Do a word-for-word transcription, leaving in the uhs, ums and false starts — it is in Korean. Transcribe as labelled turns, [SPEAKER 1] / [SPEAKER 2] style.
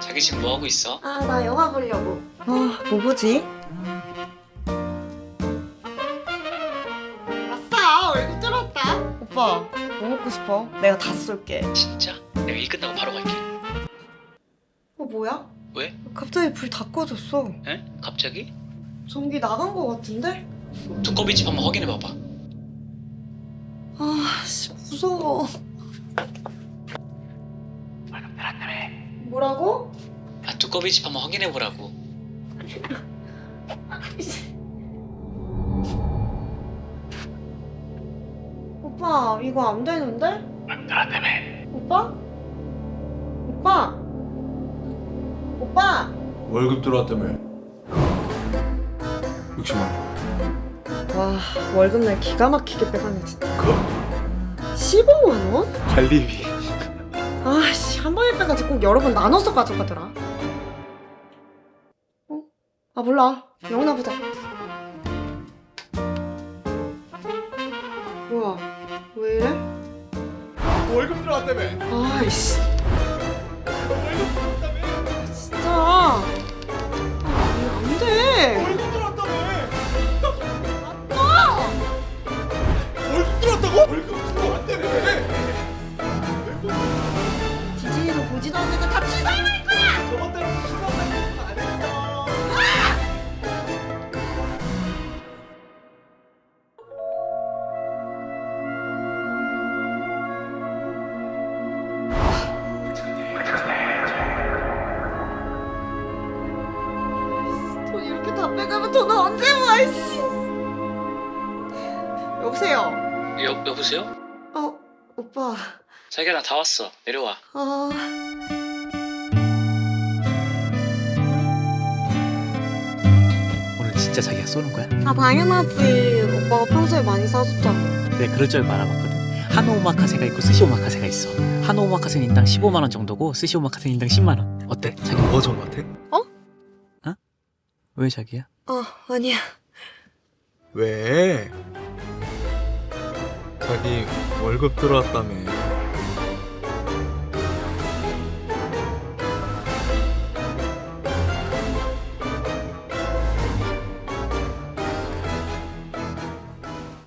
[SPEAKER 1] 자기 지금 뭐 하고 있어?
[SPEAKER 2] 아, 나 영화 보려고. 아, 뭐 보지? 아싸, 얼굴 뚫었다. 오빠, 뭐 먹고 싶어? 내가 다 쏠게.
[SPEAKER 1] 진짜? 내가 일 끝나고 바로 갈게.
[SPEAKER 2] 어, 뭐야?
[SPEAKER 1] 왜?
[SPEAKER 2] 갑자기 불 다 꺼졌어.
[SPEAKER 1] 에? 갑자기?
[SPEAKER 2] 전기 나간 거 같은데?
[SPEAKER 1] 두꺼비 집 한번 확인해 봐봐.
[SPEAKER 2] 아, 씨, 무서워.
[SPEAKER 1] 월급 내놨다며.
[SPEAKER 2] 뭐라고?
[SPEAKER 1] 아, 두꺼비 집 한번 확인해 보라고.
[SPEAKER 2] 오빠, 이거 안 되는데?
[SPEAKER 1] 월급 내놨다며.
[SPEAKER 2] 오빠? 오빠? 오빠?
[SPEAKER 3] 월급 들어왔다며. 육십만 원.
[SPEAKER 2] 와, 월급날 기가 막히게 빼가네, 진짜.
[SPEAKER 3] 그거?
[SPEAKER 2] 십오만 원?
[SPEAKER 3] 관리비.
[SPEAKER 2] 아씨, 한 번에 빼가지 꼭 여러 번 나눠서 가져가더라. 어? 아, 몰라. 영화나 보자. 뭐야, 왜 이래?
[SPEAKER 3] 월급 들어왔다며.
[SPEAKER 2] 아이씨,
[SPEAKER 3] 월급 들어왔다며.
[SPEAKER 2] 진짜. 아, 이거 안 돼.
[SPEAKER 3] 월급 들어왔다며.
[SPEAKER 2] 아!
[SPEAKER 3] 월급 들어왔다고? 월급 들어왔다며.
[SPEAKER 2] 디즈니도 보지도 않는데 다 취소해버릴 거야!
[SPEAKER 3] 저번 달에 신랑한테 안 했어.
[SPEAKER 2] 돈 이렇게 다 빼가면 돈 언제 모아, 이씨. 여보세요?
[SPEAKER 1] 여, 여보세요?
[SPEAKER 2] 어, 오빠.
[SPEAKER 1] 자기야, 나 다 왔어. 내려와.
[SPEAKER 2] 아...
[SPEAKER 4] 오늘 진짜 자기가 쏘는 거야?
[SPEAKER 2] 아, 당연하지. 오빠가 평소에 많이 사줬잖아.
[SPEAKER 4] 내가 그럴 줄 알아봤거든. 한우 오마카세가 있고 스시 오마카세가 있어. 한우 오마카세는 인당 십오만 원 정도고 스시 오마카세는 인당 십만 원. 어때? 자기 뭐 좋은 거 같아?
[SPEAKER 2] 어?
[SPEAKER 4] 어? 왜 자기야?
[SPEAKER 2] 어, 아니야.
[SPEAKER 3] 왜? 자기 월급 들어왔다며.